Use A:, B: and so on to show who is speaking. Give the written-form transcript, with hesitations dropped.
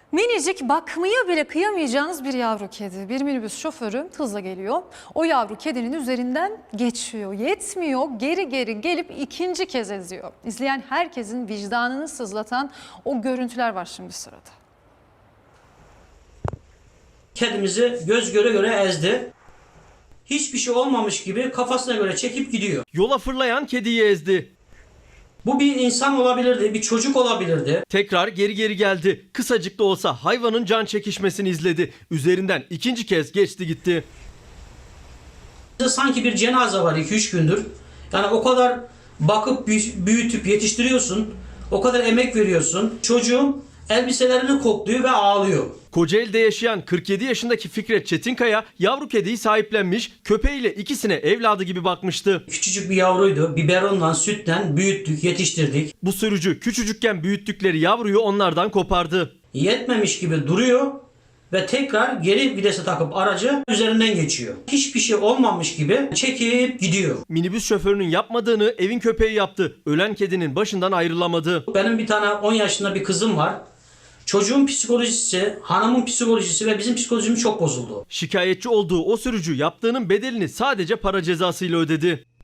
A: Minicik, bakmaya bile kıyamayacağınız bir yavru kedi. Bir minibüs şoförü hızla geliyor. O yavru kedinin üzerinden geçiyor. Yetmiyor, geri geri gelip ikinci kez eziyor. İzleyen herkesin vicdanını sızlatan o görüntüler var şimdi sırada.
B: Kedimizi göz göre göre ezdi. Hiçbir şey olmamış gibi kafasına göre çekip gidiyor.
C: Yola fırlayan kediyi ezdi.
B: Bu bir insan olabilirdi, bir çocuk olabilirdi.
C: Tekrar geri geldi. Kısacık da olsa hayvanın can çekişmesini izledi. Üzerinden ikinci kez geçti gitti.
B: Sanki bir cenaze var 2-3 gündür. Yani o kadar bakıp büyütüp yetiştiriyorsun. O kadar emek veriyorsun. Çocuğum elbiselerini kokluyor ve ağlıyor.
C: Kocaeli'de yaşayan 47 yaşındaki Fikret Çetinkaya yavru kediyi sahiplenmiş, köpeğiyle ikisine evladı gibi bakmıştı.
B: Küçücük bir yavruydu. Biberonla, sütten büyüttük, yetiştirdik.
C: Bu sürücü küçücükken büyüttükleri yavruyu onlardan kopardı.
B: Yetmemiş gibi duruyor ve tekrar geri vitese takıp aracı üzerinden geçiyor. Hiçbir şey olmamış gibi çekip gidiyor.
C: Minibüs şoförünün yapmadığını evin köpeği yaptı. Ölen kedinin başından ayrılamadı.
B: Benim bir tane 10 yaşında bir kızım var. Çocuğun psikolojisi, hanımın psikolojisi ve bizim psikolojimiz çok bozuldu.
C: Şikayetçi olduğu o sürücü yaptığının bedelini sadece para cezasıyla ödedi.